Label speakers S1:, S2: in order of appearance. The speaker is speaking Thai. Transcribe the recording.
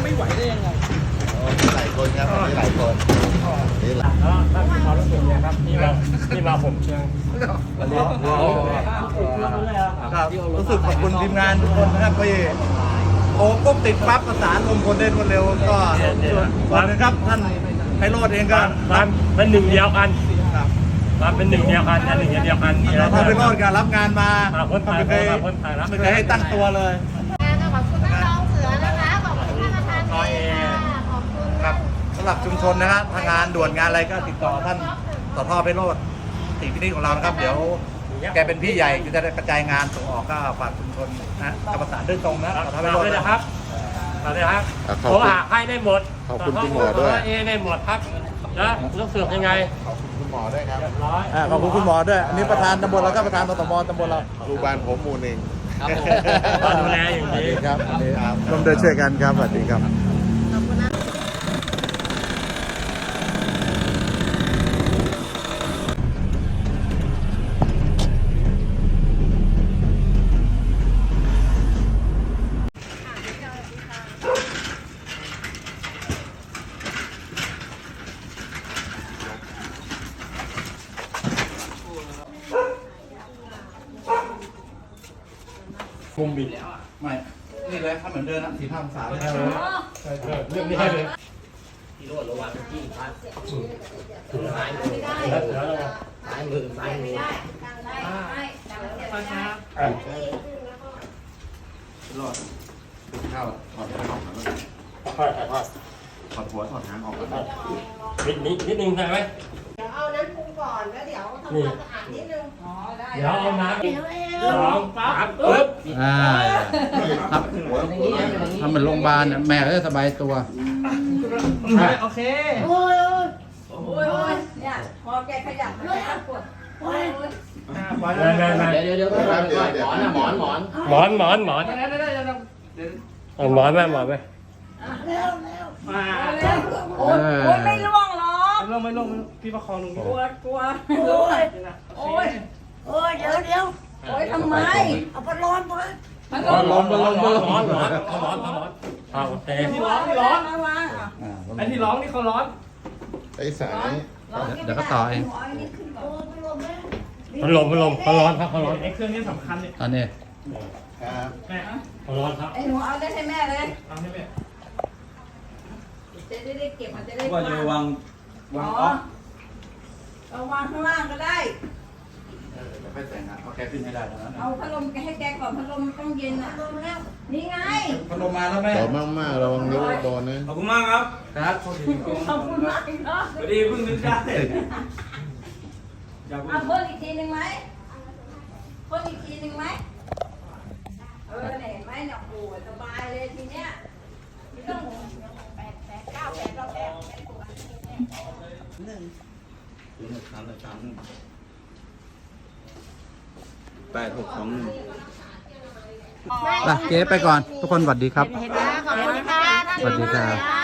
S1: ไม่ไหวได้ยังไง
S2: หลายคนครับมีหลายคนนี่หลาย
S3: แล้วท่านความรู้สึกเนี่ยครับที่มาผมเชียงวันนี้
S1: ครับรู้สึกขอบคุณทีมงานทุกคนนะครับที่โอ้ปุ๊บติดปั๊บประสานลมคนเด่นคนเร็วก็ส่วนนึงครับท่านไพโรจน์เองก็
S3: เป็นหนึ่งเดียวกันเป็นหนึ่งเดียวกันหนึ่งเดียวกัน
S1: ท่านไพโรจน์ก็รับงานมา
S3: ไม่
S1: เคยให้ตั้งตัวเลย
S4: ขอบคุณน้องเสือนะคะขอบคุณท่านประธานขอบคุณ
S1: ครับสำหรับชุมชนนะฮะทางงานด่วนงานอะไรก็ติดต่อท่านต่อท่อไพโรจน์ติพินิจของเรานะครับเดี๋ยวแกเป็นพี่ใหญ่จะได้กระจายงานส่งออกก็ฝากชุมชนนะกับประสานด้วยตรงนะต่อท่อไพโรจน์
S3: นะครับต่อเลยครับโทรหาให้ได้หมด
S2: ขอบคุณคุณหมอด้วย
S3: ได้หมดครับแล้วรู้สึกยังไง
S2: ขอบคุณคุณหมอด้วยครับ
S1: ขอบคุณคุณหมอด้วยอันนี้ประธานตำบลเราก็ประธานตมตำบลเรา
S2: ลูกบ้านผมหมู่หนึ่ง
S3: ดูแลอย่างนี้
S1: ครับร่วมด้วยช่วยกันครับสวัสดีครับ
S3: คุมบิด
S1: ไม่นี่เลยถ้าเหมือนเดิมนะ45 องศาเลย
S3: เรื่องนี้ให้เลย
S5: ที่โรดระวังที่พัดถึงซ้ายมือซ้ายมือซ้ายมือ
S2: รอดติดข้าวถอดหางออกมาถอดหัวถอดหางออกมา
S3: นิดนึงใช่ไหม
S4: เดี๋ยวเอานั้นปรุงก่อนแล้วเดี๋ยวทำความสะอาดนิดนึง
S3: เดี๋ยวเอาน้ำ2 3ปึ๊บ
S1: ครับทำเหมือนโรงพยาบาลแม่ก็จะสบายตัว
S4: โอเคโอ้ยเนี่ยพอแกขยับแกปวดโอ้ย
S3: เดี๋ยว
S5: หมอน
S3: ไหม
S4: โอ้ยไม่ล่วงหรอก
S1: ไม่ลงพี่ประคองลง
S4: กลัวโอ้ยเดี๋ยวโอ้ยทำไมเอาพัดลมมา
S1: ร้อน
S3: โอเค
S1: ที่ร้อนไอ้ที่ร้องนี่เขาร้อน
S2: ไอ้สาย
S1: เดี๋ยวก็ต่อเอง
S3: พัดลมเขาร้อนครับเขาร้อน
S1: ไอ้เครื่องนี้สำคัญเนี่ย
S3: ตอนนี้
S2: ครับ
S1: แม่
S3: เขาร้อนครับ
S4: ไอ้หนูเอาได้ให้แม่เลย
S1: เอาให้แม่
S4: จะได้เก็บมันจะได้
S1: ว่าจะวางออฟ
S4: เอาวางข้างล่างก็ได้
S1: ค่อยแต่งนะเอาแกขึ้นให้ได้ตอนนั้น
S4: เอาพัดลมให้แกก่อนพัดลมต้องเย็นอ่ะนี่ไง
S1: พัดลมมาแล้วแม่
S2: ต่อมากระวังนิ้วโดนนะ
S1: ขอบคุณมากครับ
S4: ขอบคุณมากเนาะ
S1: พอดีเพิ่งนึกได้
S4: เอาเพิ่มอีกทีหนึ่งไหมเพิ่มอีกทีหนึ่งไหมเห็นไหมเนี่ยโอ้สบายเลยทีเนี้ยไม่ต้อง8 9 8เรา1
S1: เจ๊ไปก่อนทุกคนสวัสดีครับ
S4: ขอบคุณค่ะ
S1: สวัสดีครับ